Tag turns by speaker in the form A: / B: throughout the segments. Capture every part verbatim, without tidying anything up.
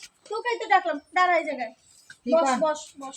A: তোকেই তো ডাকলাম, দাঁড়া এই জায়গায়, বস বস বস।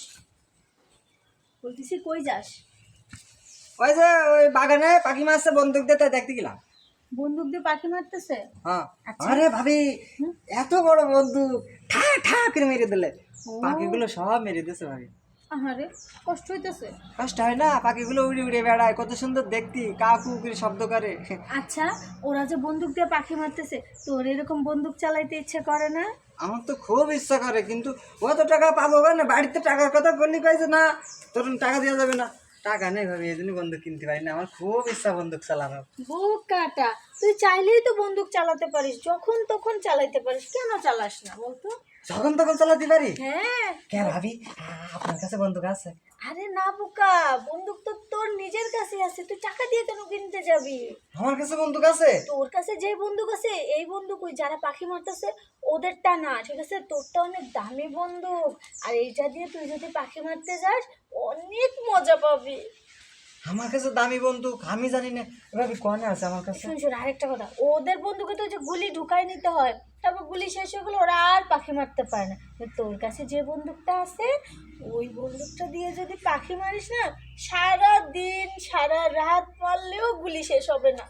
A: বলতেছি কই যাস?
B: ওই যে ওই বাগানে পাখি মারছে, বন্দুক দিয়ে তাই দেখতে গেলাম।
A: বন্দুক দিয়ে পাখি মারতেছে?
B: হ্যাঁ।
A: আচ্ছা।
B: আরে ভাবি, এত বড় বন্দুক ঠা ঠা করে মেরে দিলে,
A: ও
B: পাখিগুলো সব মেরে দিয়েছে ভাবি।
A: আহারে, কষ্ট হইতেছে?
B: কষ্ট হয় না, পাখিগুলো উড়ে উড়ে বেড়ায়, কত সুন্দর দেখতি, কা কু করে শব্দ করে।
A: আচ্ছা, ওরা যে বন্দুক দিয়ে পাখি মারতেছে, তোর এরকম বন্দুক চালাইতে ইচ্ছে করে না?
B: আমার তো খুব ইচ্ছা করে, কিন্তু অত টাকা পাবো না। বাড়িতে টাকার কথা বললি কয়েছে না, তোর টাকা দেওয়া যাবে না। টাকা নেই ভাবি, এই জন্যই বন্দুক কিনতে পারি না। আমার খুব ইচ্ছা বন্দুক চালানোর।
A: বোকাটা, তুই চাইলেই তো বন্দুক চালাতে পারিস, যখন তখন চালাইতে পারিস, কেন চালাস না বলতো?
B: যখন তখন চালাতে পারি?
A: হ্যাঁ।
B: কে ভাবি, আপনার কাছে বন্দুক আছে?
A: আরে না বোকা, বন্দুক তো তোর নিজের কাছে আছে, তুই টাকা দিয়ে কেন কিনতে যাবি?
B: আমার কাছে বন্দুক আছে?
A: তোর কাছে যে বন্দুক আছে, এই বন্দুক ওই যারা পাখি মারতেছে ওদেরটা না, ঠিক আছে? তোরটা অনেক দামি বন্দুক, আর এইটা দিয়ে তুই যদি পাখি মারতে যাস অনেক মজা পাবি।
B: আমার কাছে দামি বন্দুক আমি জানি না, ভাবি কোনে আছে আমার কাছে?
A: শুন শুন, আরেকটা কথা, ওদের বন্দুকে তো যে গুলি ঢুকাই নিতে হয়, তারপর গুলি শেষ হয়ে গেলে ওরা আর পাখি মারতে পারে না। তোর কাছে যে বন্দুকটা আছে, ওই বন্দুকটা দিয়ে যদি পাখি মারিস না, সারা দিন সারা রাত মারলেও গুলি শেষ হবে না।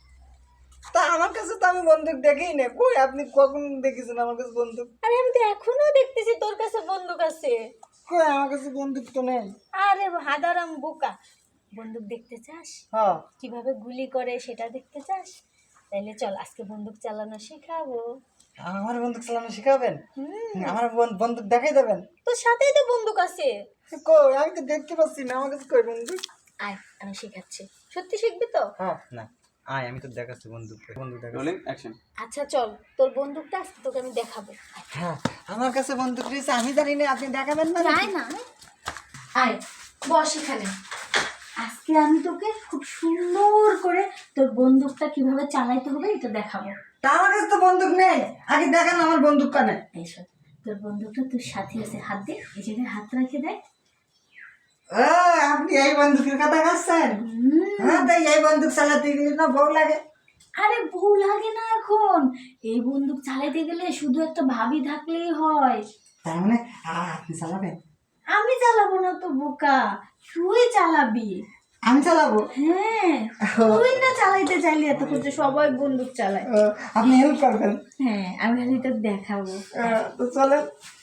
B: তা আমার কাছে তো আমি বন্দুক দেখেই না। কই, আপনি কখন দেখেছেন আমার কাছে বন্দুক?
A: আরে আমি তো এখনো দেখতেছি তোর কাছে বন্দুক আছে।
B: কই, আমার কাছে বন্দুক তো নেই।
A: আরে হাদারাম বোকা, বন্দুক দেখতে চাস?
B: হ্যাঁ।
A: কিভাবে গুলি করে সেটা দেখতে চাস? তাইলে চল আজকে বন্দুক চালানো শেখাবো।
B: আমার বন্দুক চালানো শেখাবেন?
A: হুম,
B: আমার বন- বন্দুক দেখাই দেবেন?
A: তোর সাথেই তো বন্দুক আছে।
B: কই, আমি তো দেখতে পাচ্ছি না আমার কাছে। কই বন্দুক?
A: আয়, আমি শেখাচ্ছি। সত্যি শিখবি তো?
B: হ্যাঁ না, আয় আমি তো দেখাচ্ছি বন্দুক। বন্দুক দেখা।
C: Rolling action.
A: আচ্ছা চল, তোর বন্দুকটা আজকে তোকে আমি দেখাবো।
B: হ্যাঁ, আমার কাছে বন্দুক রয়েছে, আমি জানি না, আপনি দেখাবেন না?
A: আয় না, আয় বস এখানে। আজকে আমি তোকে খুব সুন্দর করে তোর বন্দুকটা কিভাবে চালাইতে হবে এটা দেখাবো।
B: তা আমার কাছে তো বন্দুক নেই, আগে দেখান আমার বন্দুক কানে।
A: এইসব, তোর বন্দুকটা তোর সাথে আছে, হাত দে, এই জায়গায় হাত রেখে দেয়।
B: ও, আপনি এই বন্দুকের কথা বলছেন? হ্যাঁ, তাই এই বন্দুক চালাতে গেলে না বউ লাগে?
A: আরে বউ লাগে না এখন, এই বন্দুক চালাইতে গেলে শুধু একটা ভাবি থাকলেই হয়।
B: তার মানে আ- আপনি চালাবেন?
A: আমি চালাবো না তো বোকা, তুই চালাবি।
B: আমি চালাবো?
A: হ্যাঁ, তুই না চালাইতে চাইলে এত করছে, সবাই বন্দুক চালায়।
B: ও, আপনি হেল্প করবেন?
A: হ্যাঁ, আমি খালি তোর দেখাবো।
B: আহ, তো চলেন।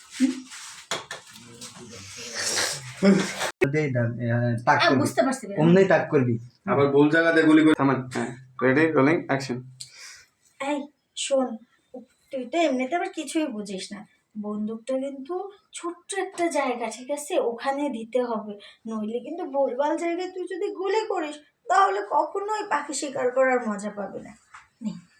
B: তাক
A: আমি
B: করবি,
A: বুঝতে পারছি রে।
B: অমনি তাক করবি।
C: আবার ভুল জায়গাতে গুলি করে থামান। হ্যাঁ, রেডি, রোলিং অ্যাকশন।
A: এই শোন, তুই তো এমনিতে আবার কিছুই বুঝিস না, বন্দুকটা কিন্তু ছোট্ট একটা জায়গা, ঠিক আছে? ওখানে দিতে হবে, নইলে কিন্তু ভুলভাল জায়গায় তুই যদি গুলি করিস তাহলে কখনোই পাখি শিকার করার মজা পাবে না। নে